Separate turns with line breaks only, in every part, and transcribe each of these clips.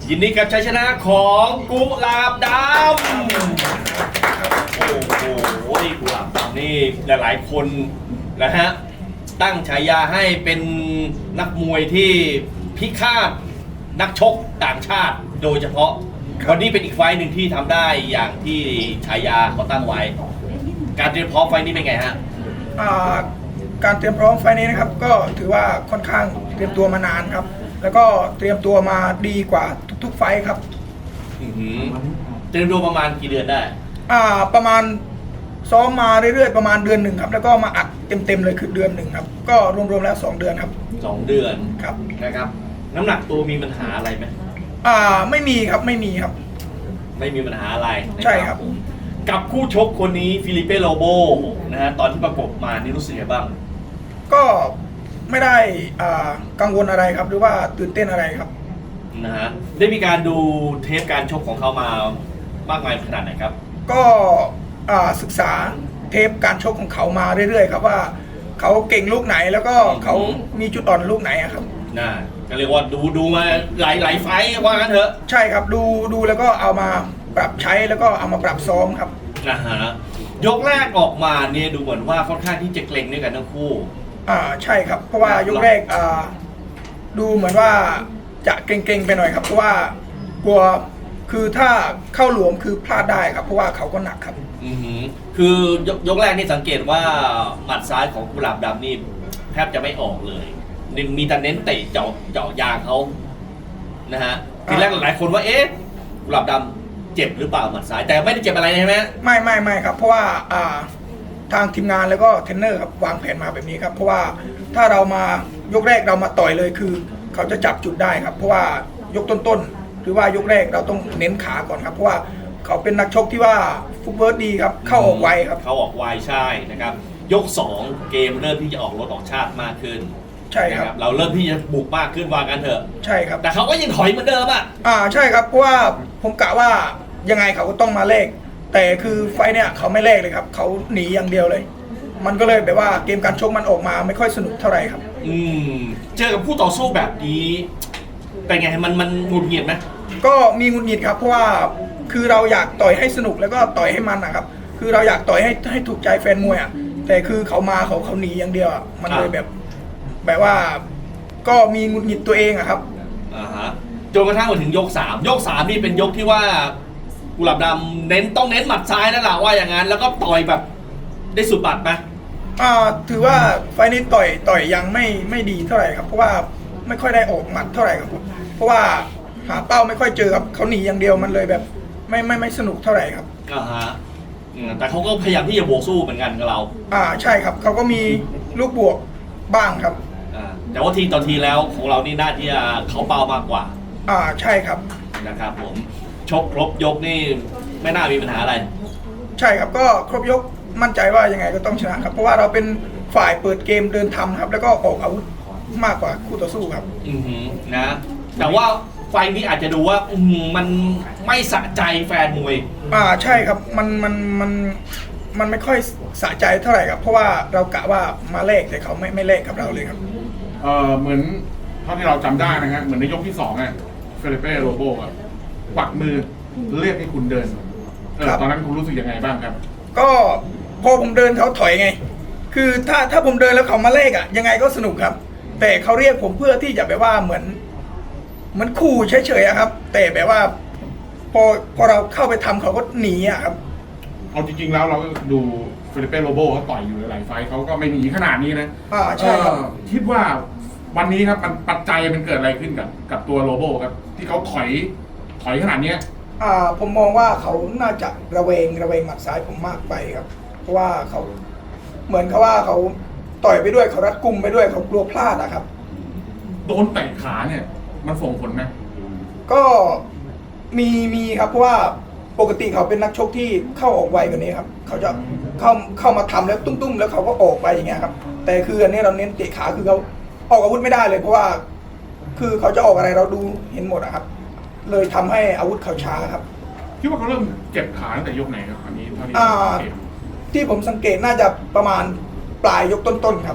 ยินดีกับชัยชนะของกุหลาบดำโอ้โหกุหลาบดำนี่หลายๆคนนะฮะตั้งฉายาให้เป็นนักมวยที่พิฆาตนักชกต่างชาติโดยเฉพาะวันนี้เป็นอีกไฟต์หนึ่งที่ทำได้อย่างที่ฉายาเขาตั้งไว้การเตรียมพร้อมไฟต์นี้เป็นไงฮะ
การเตรียมพร้อมไฟล์นี้นะครับก็ถือว่าค่อนข้างเตรียมตัวมานานครับแล้วก็เตรียมตัวมาดีกว่าทุกๆไฟล์ครับ
เตรียมตัวประมาณกี่เดือนได้
ประมาณซ้อมมาเรื่อยๆประมาณเดือนหนึ่งครับแล้วก็มาอัดเต็มๆเลยคือเดือนหนึ่งครับก็รวมๆแล้ว2 เดือนครับ
2 เดือน
ครับ
นะครับน้ำหนักตัวมีปัญหาอะไรไหม
ไม่มีครับไม่มีครับ
ไม่มีปัญหาอะไร
ใช่ครับ
กับคู่ชกคนนี้ฟิลิเป้โลโบนะฮะตอนที่ประกบมานี่รู้สึกยังไงบ้าง
ก็ไม่ได้กังวลอะไรครับหรือว่าตื่นเต้นอะไรครับ
นะฮะได้มีการดูเทปการชกของเขามามากมายขนาดไหนครับ
ก็ศึกษาเทปการชกของเขามาเรื่อยๆครับว่าเขาเก่งลูกไหนแล้วก็เขามีจุดอ่อนลูกไหนครับ
น่าก็เรียกว่าดูมาหลายไฟว่ากันเถอะ
ใช่ครับดูแล้วก็เอามาปรับใช้แล้วก็เอามาปรับซ้อมครับ
นะฮะยกแรกออกมาเนี่ยดูเหมือนว่าค่อนข้างที่จะเกรงด้วยกันทั้งคู่
ใช่ครับเพราะว่ายกแรกดูเหมือนว่าจะเกรงๆไปหน่อยครับเพราะว่ากลัวคือถ้าเข้าหลวมคือพลาดได้ครับเพราะว่าเขาก็หนักครับ
คือยกแรกนี่สังเกตว่าหมัดซ้ายของกุหลาบดำนี่แทบจะไม่ออกเลยมีแต่เน้นเตะเจาะยางเขานะฮะทีแรกหลายคนว่ากุหลาบดำเจ็บหรือเปล่าหมัดซ้ายแต่ไม่ได้เจ็บอะไรใช่ไหม
ไม่ครับเพราะว่าทางทีมงานแล้วก็เทรนเนอร์ครับวางแผนมาแบบนี้ครับเพราะว่าถ้าเรามายกแรกเรามาต่อยเลยคือเขาจะจับจุดได้ครับเพราะว่ายกต้นหรือว่ายกแรกเราต้องเน้นขาก่อนครับเพราะว่าเขาเป็นนักชกที่ว่าฟุตเวิร์ดดีครับเข้าออกไวครับ
เข้าออกไวใช่นะครับยก2เกมเริ่มที่จะออกรถออกชาติมากขึ้น
ใช่ครับ
เราเริ่มที่จะบุกมากขึ้นว่ากันเถอะ
ใช่ครับ
แต่เขาก็ยังถอยเหมือนเดิม
ใช่ครับเพราะว่าผมกะว่ายังไงเขาก็ต้องมาเลขแต่คือไฟเนี่ยเขาไม่เลขเลยครับเขาหนีอย่างเดียวเลยมันก็เลยแบบว่าเกมการชกมันออกมาไม่ค่อยสนุกเท่าไหร่ครับ
เจอกับผู้ต่อสู้แบบนี้เป็นไงมันหงุดหงิดไหม
ก็มีหงุดหงิดครับเพราะว่าคือเราอยากต่อยให้สนุกแล้วก็ต่อยให้มันนะครับคือเราอยากต่อยให้ถูกใจแฟนมวยแต่คือเขามาเขาหนีอย่างเดียวมันเลยแบบว่าก็มีหงุดหงิดตัวเองครับ
จนกระทั่งมาถึงยก3นี่เป็นยกที่ว่ากุหลาบดำต้องเน้นหมัดซ้ายนั่นแหละว่าอย่างนั้นแล้วก็ต่อยแบบได้สุดบัตรไหม
ถือว่าไฟนี้ต่อยยังไม่ดีเท่าไหร่ครับเพราะว่าไม่ค่อยได้ออกหมัดเท่าไหร่ครับเพราะว่าหาเป้าไม่ค่อยเจอครับเขาหนีอย่างเดียวมันเลยแบบไม่สนุกเท่าไหร่ครับ
แต่เขาก็พยายามที่จะบวกสู้เหมือนกันกับเรา
ใช่ครับเขาก็มีลูกบวกบ้างครับ
แต่ว่าทีต่อทีแล้วของเรานี่น่าที่จะเขาเป้ามากกว่า
ใช่ครับ
นะครับผมชกครบยกนี่ไม่น่ามีปัญหาอะไร
ใช่ครับก็ครบยกมั่นใจว่ายังไงก็ต้องชนะครับเพราะว่าเราเป็นฝ่ายเปิดเกมเดินทำครับแล้วก็ออกอาวุธมากกว่าคู่ต่อสู้ครับ
นะแต่ว่าไฟนี้อาจจะดูว่ามันไม่สะใจแฟนมวย
ใช่ครับมันไม่ค่อยสะใจเท่าไหร่ครับเพราะว่าเรากะว่ามาเลขแต่เขาไม่เลขกับเราเลยครับ
เหมือนเท่าที่เราจำได้นะฮะเหมือนในยกที่2เฟลิเป้โรโบปักมือเรียกให้คุณเดินตอนนั้นคุณรู้สึกยังไงบ้างครับ
ก็พอผมเดินเขาถอยไงคือถ้าผมเดินแล้วเขามาเลขยังไงก็สนุกครับแต่เขาเรียกผมเพื่อที่จะแบบว่าเหมือนขู่เฉยๆครับแต่แบบว่าพอเราเข้าไปทำเขาก็หนีครับ
เอาจริงๆแล้วเราก็ดูเฟลิเป้โรโบเขาต่อยอยู่หลายไฟเขาก็ไม่หนีขนาดนี้นะ
ใช่ครับ
คิดว่าวันนี้ครับมันปัจจัยมันเกิดอะไรขึ้นกับตัวโรโบครับที่เขาถอยขนาดนี้
ผมมองว่าเขาน่าจะระเวงหมัดซ้ายผมมากไปครับเพราะว่าเขาเหมือนเขาว่าเขาต่อยไปด้วยเขารัดกุมไปด้วยเขากลัวพลาดครับ
โดนเตะขาเนี่ยมันส่งผลไหม
ก็มีครับเพราะว่าปกติเขาเป็นนักชกที่เข้าออกไวกว่านี้ครับเขาจะเข้ามาทำแล้วตุ้มๆแล้วเขาก็ออกไปอย่างเงี้ยครับแต่คืออันนี้เราเน้นเตะขาคือเขาออกอาวุธไม่ได้เลยเพราะว่าคือเขาจะออกอะไรเราดูเห็นหมดครับเลยทำให้อาวุธเขาช้าครับ
คิดว่าเขาเริ่มเจ็บขาตั้งแต่ยกไหนครับอันนี้เท่า
ที่ผมสังเกตน่าจะประมาณปลายยกต้นๆครับ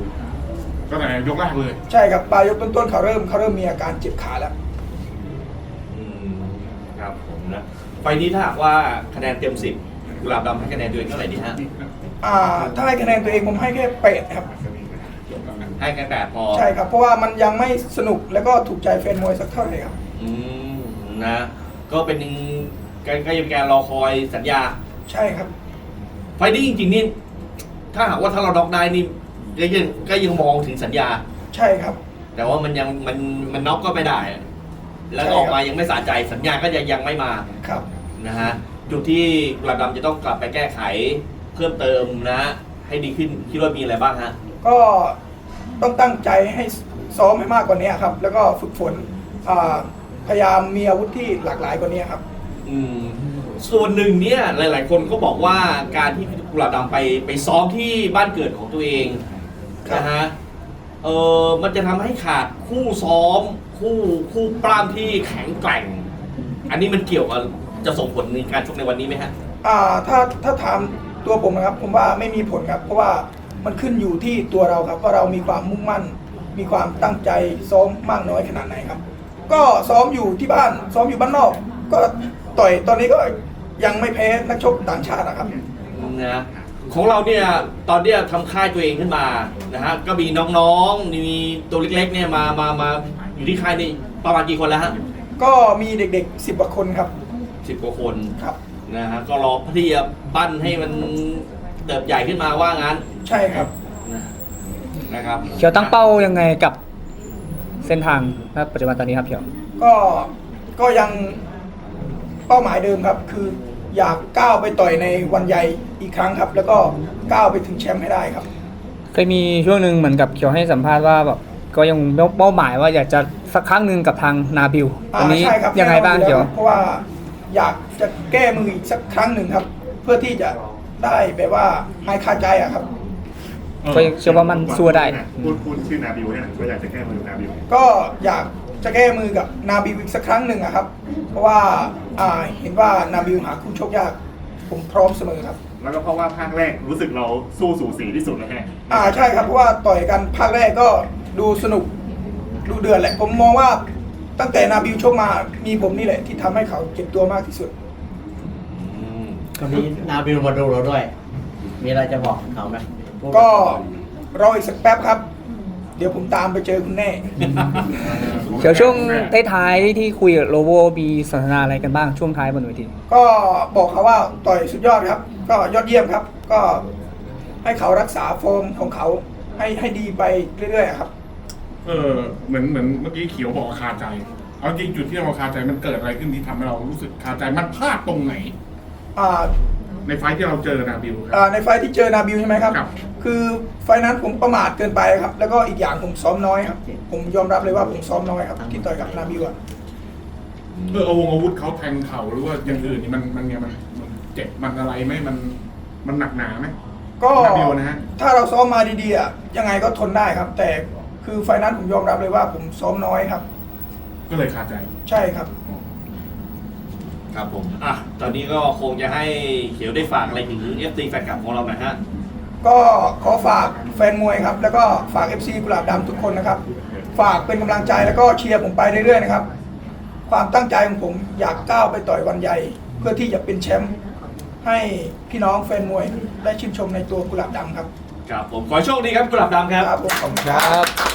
ก็ไหนยกแรกเลย
ใช่ครับปลายยกต้นๆเขาเริ่มมีอาการเจ็บขาแล้ว
ครับผมนะไฟล์นี้ถ้าหากว่าคะแนนเต็ม10กุหลาบดำให้คะแนนตัวเองเท่าไหร่ดีฮะ
ถ้าให้คะแนนตัวเองผมให้แค่8ครับ
ให้แค่8พอ
ใช่ครับเพราะว่ามันยังไม่สนุกแล้วก็ถูกใจแฟนมวยสักเท่าไหร่ครับ
อืมนะก็เป็นก็ยังการรอคอยสัญญา
ใช่ครับ
ไฟล์นี้จริงๆนี่ถ้าหากว่าถ้าเราน็อกได้นี่ก็ยังมองถึงสัญญา
ใช่ครับ
แต่ว่ามันยังมันน็อกก็ไม่ได้ แล้วก็ออกมายังไม่สะใจสัญญาก็ยังไม่มา
ครับ
นะฮะจุดที่กุหลาบดำจะต้องกลับไปแก้ไขเพิ่มเติมนะ ให้ดีขึ้นคิดว่ามีอะไรบ้างฮะ
ก็ต้องตั้งใจให้ซ้อมให้มากกว่านี้ครับ แล้วก็ฝึกฝนพยายามมีอาวุธที่หลากหลายกว่านี้ครับ
อืมส่วนหนึ่งเนี่ยหลาย ๆ คนก็บอกว่าการที่กุหลาบดำไปซ้อมที่บ้านเกิดของตัวเอง
ครับ
นะฮะมันจะทำให้ขาดคู่ซ้อมคู่ปล้ำที่แข็งแกร่ง อันนี้มันเกี่ยวกับจะส่งผลในการชกในวันนี้ไหมฮะ
ถ้าถามตัวผมนะครับ ผมว่าไม่มีผลครับ เพราะว่ามันขึ้นอยู่ที่ตัวเราครับว่าเรามีความมุ่งมั่น มีความตั้งใจซ้อมมากน้อยขนาดไหนครับ ก็ซ้อมอยู่ที่บ้านซ้อมอยู่บ้านนอก ก็ต่อยตอนนี้ก็ยังไม่แพ้นักชกต่างชาตินะครับ
นะของเราเนี่ยตอนเนี้ยทำค่ายตัวเองขึ้นมานะฮะก็มีน้องๆมีตัวเล็กๆเนี่ยมาอยู่ที่ค่ายนี่ประมาณกี่คนแล้วฮะ
ก็มีเด็กๆ10 กว่าคนครับ
10 กว่าคน
ครับ
นะฮะก็รอที่จะปั้นให้มันเติบใหญ่ขึ้นมาว่างั้น
ใช่ครับ
นะครับ
เขียวตั้งเป้ายังไงกับเส้นทางณปัจจุบันตอนนี้ครับเขียว
ก็ยังเป้าหมายเดิมครับ คืออยากก้าวไปต่อยในวันใหญ่อีกครั้งครับ แล้วก็ก้าวไปถึงแชมป์ให้ได้ครับ
เคยมีช่วงหนึ่งเหมือนกับเขียวให้สัมภาษณ์ว่าแบบก็ยังเป้าหมายว่าอยากจะสักครั้งหนึ่งกับทางนาบิลตอนนี้
ใช่ครับ
ยังไงบ้างเขียว
เพราะว่าอยากจะแก้มืออีกสักครั้งหนึ่งครับ เพื่อที่จะได้แบบว่าหายคาใจอะครับ
ก็เชื่อว่ามันสู้ได้
พูดชื่อนาบิวเนี่ยก็อยากจะแก้มือนาบิว
ก็อยากจะแก้มือกับนาบิวอีกสักครั้งหนึ่งอะครับ เพราะว่าเห็นว่านาบิวหาคู่ชกยากผมพร้อมเสมอครับ
แล้วก็เพราะว่าภาคแรกรู้สึกเราสู้สูสีที่สุดแล้วแค่
ใช่ครับเพราะว่าต่อยกันภาคแรกก็ดูสนุกดูเดือดแหละผมมองว่าตั้งแต่นาบิวชกมามีผมนี่แหละที่ทำให้เขาเจ็บตัวมากที่สุด
วันนี้นาบิลมาดูเราด้วย มีอะไรจะบอกเขาไหม
ก็รออีกสักแป๊บครับ เดี๋ยวผมตามไปเจอคุณแน่
เขียวช่วงท้ายๆที่คุยกับโลโบมีสนทนาอะไรกันบ้างช่วงท้ายบนเวที
ก็บอกเขาว่าต่อยสุดยอดครับ ก็ยอดเยี่ยมครับ ก็ให้เขารักษาฟอร์มของเขาให้ดีไปเรื่อยๆครับ
เหมือนเมื่อกี้เขียวบอกว่าคาใจ เอาจริงจุดที่เราคาใจมันเกิดอะไรขึ้นที่ทำให้เรารู้สึกคาใจมันพลาดตรงไหน
อ่า
ในไฟท์ที่เราเจอนาบิวค
ในไฟท์ที่เจอนาบิวใช่ไหมครับ
ครับ
คือไฟท์นั้นผมประมาทเกินไปครับ แล้วก็อีกอย่างผมซ้อมน้อยครับ ผมยอมรับเลยว่าผมซ้อมน้อยครับที่ต่อยกับนาบิวอะ
อาวุธเขาแทงเข่าหรือว่าอย่างอื่นนี่มันเจ็บมันอะไรไหมมันหนักหนาไหม
ก็
นาบิวนะฮะ
ถ้าเราซ้อมมาดีๆอะยังไงก็ทนได้ครับ แต่คือไฟท์นั้นผมยอมรับเลยว่าผมซ้อมน้อยครับ
ก็เลยคาใจ
ใช่ครับ
ครับผมตอนนี้ก็คงจะให้เขียวได้ฝากอะไรถึง FT แฟนคลับของเราหน่อยฮะ
ก็ขอฝากแฟนมวยครับ แล้วก็ฝาก FC กุหลาบดำทุกคนนะครับ ฝากเป็นกำลังใจแล้วก็เชียร์ผมไปเรื่อยๆนะครับ ความตั้งใจของผมอยากก้าวไปต่อยวันใหญ่ เพื่อที่จะเป็นแชมป์ให้พี่น้องแฟนมวยได้ชื่นชมในตัวกุหลาบดำครับ
ครับผมขอให้โชคดีครับกุหลาบดำครับ
ครับผมขอบคุณค
ค
รั
รับ บ